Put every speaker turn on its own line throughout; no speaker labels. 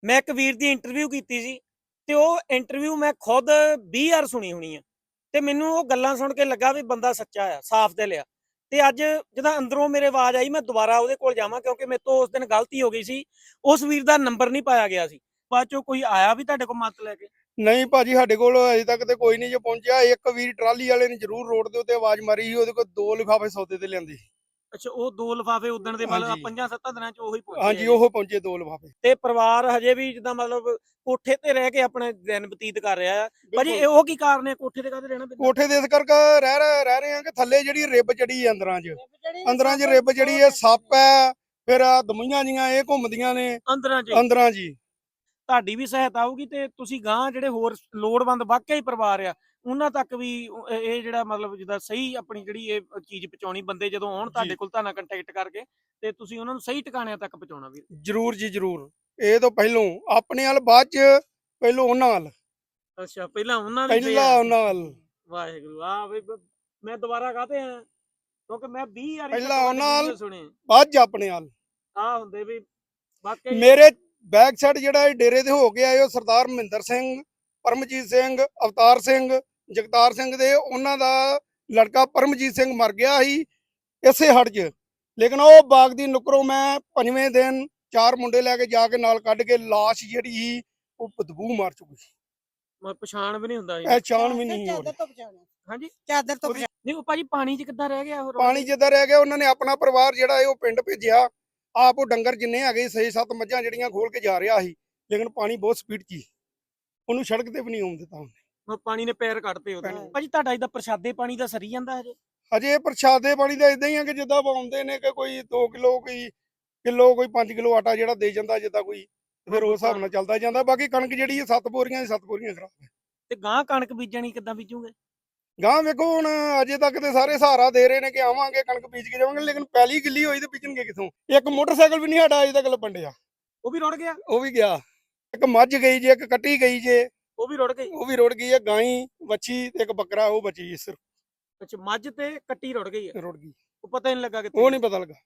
ਮੈਂ ਇੱਕ ਵੀਰ ਦੀ ਇੰਟਰਵਿਊ ਕੀਤੀ ਸੀ ਤੇ ਉਹ ਇੰਟਰਵਿਊ ਮੈਂ ਖੁਦ 20 ਵਾਰ ਸੁਣੀ ਹੋਣੀ ਆ ਤੇ ਮੈਨੂੰ ਉਹ ਗੱਲਾਂ ਸੁਣ ਕੇ ਲੱਗਾ ਵੀ ਬੰਦਾ ਸੱਚਾ ਆ, ਸਾਫ਼ ਦਿਲ ਆ। ਤੇ ਅੱਜ ਜਦੋਂ ਅੰਦਰੋਂ ਮੇਰੇ ਆਵਾਜ਼ ਆਈ ਮੈਂ ਦੁਬਾਰਾ ਉਹਦੇ ਕੋਲ ਜਾਵਾਂ ਕਿਉਂਕਿ ਮੇਰੇ ਤੋਂ ਉਸ ਦਿਨ ਗਲਤੀ ਹੋ ਗਈ ਸੀ। ਉਸ ਵੀਰ ਦਾ ਨੰਬਰ ਨਹੀਂ ਪਾਇਆ ਗਿਆ ਸੀ। ਬਾਅਦ ਚੋਂ ਕੋਈ ਆਇਆ ਵੀ ਤੁਹਾਡੇ ਕੋਲ ਮਦਦ ਲੈ ਕੇ?
ਨਹੀਂ ਭਾਜੀ, ਸਾਡੇ ਕੋਲ ਅਜੇ ਤੱਕ ਤੇ ਕੋਈ ਨਹੀਂ ਜੇ ਪਹੁੰਚਿਆ। ਇੱਕ ਵੀਰ ਟਰਾਲੀ ਵਾਲੇ ਨੇ ਜ਼ਰੂਰ ਰੋਡ ਦੇ ਉੱਤੇ ਆਵਾਜ਼ ਮਾਰੀ ਸੀ, ਉਹਦੇ ਕੋਲ 2 ਲਿਫਾਫੇ ਸੌਦੇ ਤੇ ਲਿਆਂਦੇ ਸੀ।
ਅੱਛਾ, ਉਹ 2 ਲਿਫਾਫੇ ਉਦਣ ਦੇ ਮਤਲਬ
ਹਾਂਜੀ
5-7 ਦਿਨਾਂ ਚ ਉਹੀ ਪਹੁੰਚੇ
ਹਾਂਜੀ,
ਹੈਗੇ।
ਉਹ ਪਹੁੰਚੇ 2 ਲਿਫਾਫੇ।
ਤੇ ਪਰਿਵਾਰ ਹਜੇ ਵੀ ਜਿੱਦਾਂ ਮਤਲਬ ਕੋਠੇ ਤੇ ਰਹਿ ਕੇ ਆਪਣੇ ਦਿਨ ਬਤੀਤ ਕਰ ਰਿਹਾ ਆ। ਭਾਜੀ
ਬਿਲਕੁਲ।
ਉਹ ਕੀ ਕਾਰਨ ਹੈ ਕੋਠੇ ਤੇ ਕਾਹਦੇ ਰਹਿਣਾ ਪੈਂਦਾ?
ਕੋਠੇ ਦੇ ਇਸ ਕਰਕੇ ਰਹਿ ਰਹੇ ਆ ਕਿ ਥੱਲੇ ਜਿਹੜੀ ਰਿੱਬ ਚੜੀ ਹੈ ਅੰਦਰਾਂ 'ਚ ਰਿੱਬ ਜਿਹੜੀ ਹੈ, ਸੱਪ ਹੈ, ਫਿਰ ਆ ਦਮਈਆਂ ਜੀਆਂ ਇਹ ਘੁੰਮਦੀਆਂ ਨੇ
ਅੰਦਰਾਂ 'ਚ ਹੀ
ਅੰਦਰਾਂ ਜੀ।
ਤੁਹਾਡੀ ਵੀ ਸਹਾਇਤਾ ਹੋਊਗੀ ਤੇ ਤੁਸੀਂ ਗਾਂ ਜਿਹੜੇ ਹੋਰ ਲੋੜਵੰਦ ਵਾਕਿਆ ਹੀ ਪਰਿਵਾਰ ਆ ਉਹਨਾਂ ਤੱਕ ਵੀ ਇਹ ਜਿਹੜਾ ਮਤਲਬ ਜਿੱਦਾਂ ਸਹੀ ਆਪਣੀ ਜਿਹੜੀ ਇਹ ਚੀਜ਼ ਪਹੁੰਚਾਉਣੀ, ਬੰਦੇ ਜਦੋਂ ਆਉਣ ਤੁਹਾਡੇ ਕੋਲ ਤੁਹਾਡੇ ਨਾਲ ਕੰਟੈਕਟ ਕਰਕੇ ਤੇ ਤੁਸੀਂ ਉਹਨਾਂ ਨੂੰ ਸਹੀ ਟਿਕਾਣਿਆਂ ਤੱਕ ਪਹੁੰਚਾਉਣਾ ਵੀਰ।
ਜ਼ਰੂਰ ਜੀ ਜ਼ਰੂਰ। ਇਹ ਤੋਂ ਪਹਿਲੋਂ ਆਪਣੇ ਵੱਲ, ਬਾਅਦ 'ਚ ਪਹਿਲੋਂ ਉਹਨਾਂ ਵੱਲ,
ਅੱਛਾ, ਪਹਿਲਾਂ ਉਹਨਾਂ ਦੀ
ਪਹਿਲਾਂ ਉਹਨਾਂ ਵੱਲ,
ਵਾਹਿਗੁਰੂ ਆ ਵੀ ਮੈਂ ਦੁਬਾਰਾ ਕਾਹਤੇ ਆ ਕਿਉਂਕਿ ਮੈਂ 20 ਵਾਰੀ
ਪਹਿਲਾਂ ਉਹਨਾਂ ਵੱਲ,
ਸੁਣੇ
ਬਾਅਦ 'ਚ ਆਪਣੇ ਵੱਲ।
ਆ ਹੁੰਦੇ ਵੀ ਵਾਕਿਆ
ਮੇਰੇ ਬੈਕ ਸਾਈਡ ਜਿਹੜਾ ਇਹ ਡੇਰੇ ਤੇ ਹੋ ਕੇ ਆਏ ਉਹ ਸਰਦਾਰ ਮਹਿੰਦਰ ਸਿੰਘ, ਪਰਮਜੀਤ ਸਿੰਘ, ਅਵਤਾਰ ਸਿੰਘ, ਜਗਤਾਰ ਸਿੰਘ ਦੇ ਉਹਨਾਂ ਦਾ ਲੜਕਾ ਪਰਮਜੀਤ ਸਿੰਘ ਮਰ ਗਿਆ ਸੀ ਇਸੇ ਹੜ 'ਚ। ਲੇਕਿਨ ਉਹ ਬਾਗ ਦੀ ਨੁਕਰੋਂ ਮੈਂ 5ਵੇਂ ਦਿਨ 4 ਮੁੰਡੇ ਲੈ ਕੇ ਜਾ ਕੇ ਨਾਲ ਕੱਢ ਕੇ ਲਾਸ਼ ਜਿਹੜੀ ਸੀ ਉਹ ਬਦਬੂ ਮਾਰ ਚੁੱਕੀ ਸੀ।
ਪਛਾਣ ਵੀ ਨਹੀਂ ਹੁੰਦਾ
ਇਹ ਚਾਣ ਵੀ ਨਹੀਂ ਹੋ ਰਹੀ।
ਹਾਂਜੀ
ਚਾਦਰ ਤੋਂ
ਨਹੀਂ ਉਹ ਭਾਜੀ ਪਾਣੀ 'ਚ ਕਿੱਦਾਂ ਰਹਿ ਗਿਆ ਉਹ?
ਪਾਣੀ ਜਿੱਦਾਂ ਰਹਿ ਗਿਆ, ਉਹਨਾਂ ਨੇ ਆਪਣਾ ਪਰਿਵਾਰ ਜਿਹੜਾ ਹੈ ਉਹ ਪਿੰਡ ਭੇਜਿਆ। ਆਪ ਉਹ ਡੰਗਰ ਜਿੰਨੇ ਹੈਗੇ 6-7 ਮੱਝਾਂ ਜਿਹੜੀਆਂ ਖੋਲ ਕੇ ਜਾ ਰਿਹਾ ਸੀ, ਲੇਕਿਨ ਪਾਣੀ ਬਹੁਤ ਸਪੀਡ 'ਚ ਸੀ, ਉਹਨੂੰ ਸੜਕ ਤੇ ਵੀ ਨਹੀਂ ਆਉਣ ਦਿੱਤਾ ਉਹਨੇ।
ਪਾਣੀ ਨੇ ਪੈਰ ਕੱਢਤੇ ਉਹਦੇ। ਭਾਜੀ ਤੁਹਾਡਾ ਇਹਦਾ ਪ੍ਰਸ਼ਾਦੇ ਪਾਣੀ ਦਾ ਸਰੀ ਜਾਂਦਾ ਹਜੇ?
ਹਜੇ ਪ੍ਰਸ਼ਾਦੇ ਪਾਣੀ ਦਾ ਇਦਾਂ ਹੀ ਆ ਕਿ ਜਿੱਦਾਂ ਆਉਂਦੇ ਨੇ ਕਿ ਕੋਈ 2 ਕਿਲੋ, ਕੋਈ ਕਿਲੋ, ਕੋਈ 5 ਕਿਲੋ ਆਟਾ ਜਿਹੜਾ ਦੇ ਜਾਂਦਾ ਜਿੱਦਾਂ ਕੋਈ, ਫਿਰ ਉਸ ਹਿਸਾਬ ਨਾਲ ਚੱਲਦਾ ਜਾਂਦਾ। ਬਾਕੀ ਕਣਕ ਜਿਹੜੀ ਹੈ 7 ਬੋਰੀਆਂ 7 ਬੋਰੀਆਂ ਖਰਾਬ ਹੈ।
ਤੇ ਗਾਂ ਕਣਕ ਬੀਜਣੀ ਕਿੱਦਾਂ ਬੀਜੂਗੇ?
ਗਾਂ ਵੇਖੋ ਹੁਣ, ਅਜੇ ਤੱਕ ਤੇ ਸਾਰੇ ਸਹਾਰਾ ਦੇ ਰਹੇ ਨੇ ਕਿ ਆਵਾਂਗੇ ਕਣਕ ਬੀਜ ਕੇ ਜਾਵਾਂਗੇ, ਲੇਕਿਨ ਪਹਿਲੀ ਗਿੱਲੀ ਹੋਈ ਤੇ ਬੀਜਣਗੇ ਕਿੱਥੋਂ? ਇੱਕ ਮੋਟਰਸਾਈਕਲ ਵੀ ਨਹੀਂ ਸਾਡਾ ਅਜੇ ਤੱਕ ਲੱਭਣ ਡਿਆ।
ਉਹ ਵੀ ਰੁੜ ਗਿਆ?
ਉਹ ਵੀ ਗਿਆ। ਇੱਕ ਮੱਝ ਗਈ ਜੇ, ਇੱਕ ਕੱਟੀ ਗਈ ਜੇ,
ਉਹ ਵੀ ਰੁੜ ਗਈ?
ਉਹ ਵੀ ਰੁੜ ਗਈ ਹੈ। ਗਾਈ, ਵੱਛੀ ਤੇ ਇੱਕ ਬੱਕਰਾ ਉਹ ਬਚੀ ਸਿਰਫ,
ਅੱਛਾ, ਮੱਝ ਤੇ ਕੱਟੀ ਰੁੜ ਗਈ ਹੈ?
ਰੁੜ ਗਈ।
ਉਹ ਪਤਾ ਹੀ ਨਹੀਂ ਲੱਗਾ ਕਿੱਥੇ।
ਉਹ ਨਹੀਂ ਪਤਾ ਲੱਗਾ।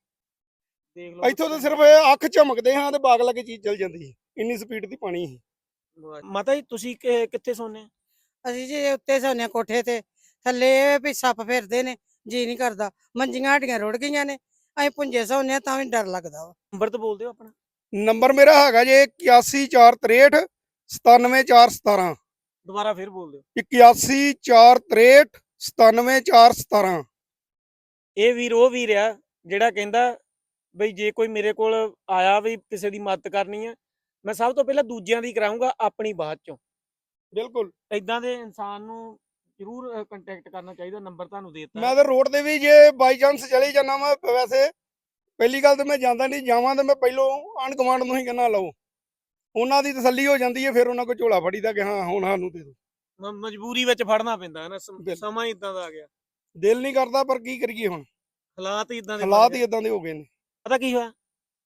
ਦੇਖ ਲਓ
ਇੱਥੋਂ ਤਾਂ ਸਿਰਫ ਇਹ ਅੱਖ ਝਮਕਦੇ ਹਾਂ ਤੇ ਬਾਗ ਲੱਗੇ ਚੀਜ਼ ਚਲ ਜਾਂਦੀ ਹੈ, ਇੰਨੀ ਸਪੀਡ ਦੀ ਪਾਣੀ ਸੀ।
ਮਾਤਾ ਜੀ ਤੁਸੀਂ ਕਿੱਥੇ ਸੌਂਦੇ ਆ?
ਅਸੀਂ ਜੀ ਉੱਤੇ ਸੌਂਦੇ ਕੋਠੇ ਤੇ, ਥੱਲੇ ਇਹ ਵੀ ਸੱਪ ਫਿਰਦੇ ਨੇ, ਜੀ ਨਹੀਂ ਕਰਦਾ। ਮੰਜੀਆਂ ਸਾਡੀਆਂ ਰੁੜ ਗਈਆਂ ਨੇ, ਅਸੀਂ ਪੁੰਜੇ ਸੌਂਦੇ ਤਾਂ ਵੀ ਡਰ ਲੱਗਦਾ ਵਾ।
ਨੰਬਰ ਤਾਂ ਬੋਲ ਦਿਓ ਆਪਣਾ।
ਨੰਬਰ ਮੇਰਾ ਹੈਗਾ ਜੇ 8143 97417।
ਦੁਬਾਰਾ ਫਿਰ ਬੋਲ ਦਿਓ।
8143 97417।
ਇਹ ਵੀਰ ਉਹ ਵੀਰ ਆ ਜਿਹੜਾ ਕਹਿੰਦਾ ਬਈ ਜੇ ਕੋਈ ਮੇਰੇ ਕੋਲ ਆਇਆ ਵੀ ਕਿਸੇ ਦੀ ਮਦਦ ਕਰਨੀ ਆ, ਮੈਂ ਸਭ ਤੋਂ ਪਹਿਲਾਂ ਦੂਜਿਆਂ ਦੀ ਕਰਾਉਂਗਾ, ਆਪਣੀ ਬਾਅਦ ਚੋਂ।
ਬਿਲਕੁਲ।
ਇਦਾਂ ਦੇ ਇਨਸਾਨ ਨੂੰ ਜ਼ਰੂਰ ਕੰਟੈਕਟ ਕਰਨਾ ਚਾਹੀਦਾ। ਨੰਬਰ ਤੁਹਾਨੂੰ ਦੇ ਦਿੱਤਾ।
ਮੈਂ ਤਾਂ ਰੋਡ ਤੇ ਵੀ ਜੇ ਬਾਈ ਚਾਂਸ ਚਲੇ ਜਾਣਾ ਵਾ, ਵੈਸੇ ਪਹਿਲੀ ਗੱਲ ਤਾਂ ਮੈਂ ਜਾਂਦਾ ਨਹੀਂ, ਜਾਵਾਂ ਤਾਂ ਮੈਂ ਪਹਿਲੋਂ ਆਂਢ ਗੁਆਂਢ ਨੂੰ ਹੀ ਕਹਿੰਦਾ ਲਓ, ਉਹਨਾਂ ਦੀ ਤਸੱਲੀ ਹੋ ਜਾਂਦੀ ਹੈ, ਫਿਰ ਉਹਨਾਂ ਕੋਲ ਝੋਲਾ ਫੜੀਦਾ ਕਿ ਹਾਂ ਹੁਣ ਸਾਨੂੰ ਦੇ ਦਿਓ।
ਮਜਬੂਰੀ ਵਿੱਚ ਫੜਨਾ ਪੈਂਦਾ ਹੈ ਨਾ, ਸਮਾਂ ਹੀ ਇਦਾਂ ਦਾ ਆ ਗਿਆ।
ਦਿਲ ਨਹੀਂ ਕਰਦਾ ਪਰ ਕੀ ਕਰੀਏ, ਹੁਣ
ਹਾਲਾਤ ਹੀ ਇਦਾਂ ਦੇ
ਹਾਲਾਤ ਹੀ ਇਦਾਂ ਦੇ ਹੋ ਗਏ ਨੇ।
ਪਤਾ ਕੀ ਹੋਇਆ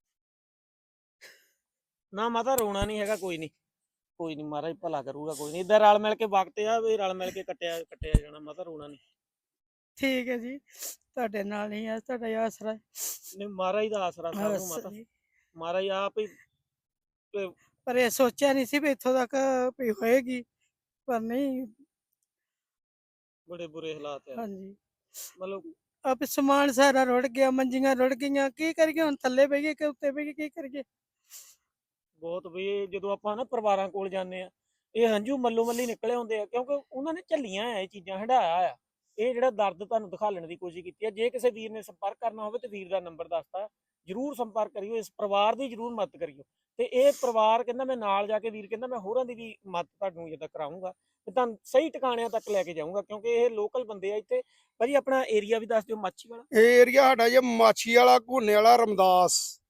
ਨਾ ਮਾਤਾ, ਰੋਣਾ ਨਹੀਂ ਹੈਗਾ, ਕੋਈ ਨਹੀਂ, ਕੋਈ ਨਹੀਂ, ਮਹਾਰਾਜ ਭਲਾ ਕਰੂਗਾ, ਕੋਈ ਨਹੀਂ। ਇਦਾਂ ਰਲ ਮਿਲ ਕੇ ਵਕਤ ਆ ਵੀ ਰਲ ਮਿਲ ਕੇ ਕੱਟਿਆ ਜਾਣਾ ਮਾਤਾ, ਰੋਣਾ ਨਹੀਂ।
ਠੀਕ ਹੈ ਜੀ, ਤੁਹਾਡੇ ਨਾਲ ਹੀ ਆ, ਤੁਹਾਡਾ ਹੀ ਆਸਰਾ ਹੈ।
ਨਹੀਂ, ਮਹਾਰਾਜ ਦਾ ਆਸਰਾ ਸਭ ਨੂੰ ਮਾਤਾ, ਮਹਾਰਾਜ ਆਪ ਹੀ।
ਪਰ ਇਹ ਸੋਚਿਆ ਨਹੀਂ ਸੀ ਵੀ ਇੱਥੋਂ ਤੱਕ ਵੀ ਹੋਏਗੀ, ਪਰ ਨਹੀਂ।
ਬੜੇ ਬੁਰੇ ਹਾਲਾਤ ਆ।
ਹਾਂਜੀ,
ਮਤਲਬ
ਆਪ ਸਮਾਨ ਸਾਰਾ ਰੁੜ ਗਿਆ, ਮੰਜੀਆਂ ਰੁੜ ਗਈਆਂ, ਕੀ ਕਰੀਏ ਹੁਣ? ਥੱਲੇ ਬਹਿ ਗਏ ਕਿ ਉੱਤੇ ਬਹਿ ਗਏ, ਕੀ ਕਰੀਏ?
ਬਹੁਤ ਵੀ ਜਦੋਂ ਆਪਾਂ ਨਾ ਪਰਿਵਾਰਾਂ ਕੋਲ ਜਾਂਦੇ ਆ, ਇਹ ਹੰਝੂ ਮੱਲੋ ਮੱਲੀ ਨਿਕਲੇ ਹੁੰਦੇ ਆ, ਕਿਉਂਕਿ ਉਹਨਾਂ ਨੇ ਝੱਲੀਆਂ ਆ ਇਹ ਚੀਜ਼ਾਂ, ਹੰਢਾਇਆ ਆ। ਇਹ ਜਿਹੜਾ ਦਰਦ ਤੁਹਾਨੂੰ ਦਿਖਾਲਣ ਦੀ ਕੋਸ਼ਿਸ਼ ਕੀਤੀ ਹੈ। ਜੇ ਕਿਸੇ ਵੀਰ ਨੇ ਸੰਪਰਕ ਕਰਨਾ ਹੋਵੇ ਤੇ ਵੀਰ ਦਾ ਨੰਬਰ ਦੱਸਤਾ, ਜਰੂਰ ਸੰਪਰਕ ਕਰਿਓ, ਇਸ ਪਰਿਵਾਰ ਦੀ ਜਰੂਰ ਮਦਦ ਕਰਿਓ। ਤੇ ਇਹ ਪਰਿਵਾਰ ਕਹਿੰਦਾ ਮੈਂ ਨਾਲ ਜਾ ਕੇ, ਵੀਰ ਕਹਿੰਦਾ ਮੈਂ ਹੋਰਾਂ ਦੀ ਵੀ ਮਦਦ ਤੁਹਾਨੂੰ ਜਿੱਦਾਂ ਕਰਾਊਂਗਾ ਤੇ ਤੁਹਾਨੂੰ ਸਹੀ ਟਿਕਾਣਿਆਂ ਤੱਕ ਲੈ ਕੇ ਜਾਊਂਗਾ, ਕਿਉਂਕਿ ਇਹ ਲੋਕਲ ਬੰਦੇ ਆ ਇੱਥੇ। ਭਾਜੀ ਆਪਣਾ ਏਰੀਆ ਵੀ ਦੱਸ ਦਿਓ। ਮਾਛੀ ਵਾਲਾ
ਇਹ ਏਰੀਆ ਸਾਡਾ ਜੇ ਮਾਛੀ ਵਾਲਾ, ਘੋਨੇ ਵਾਲਾ, ਰਮਦਾਸ।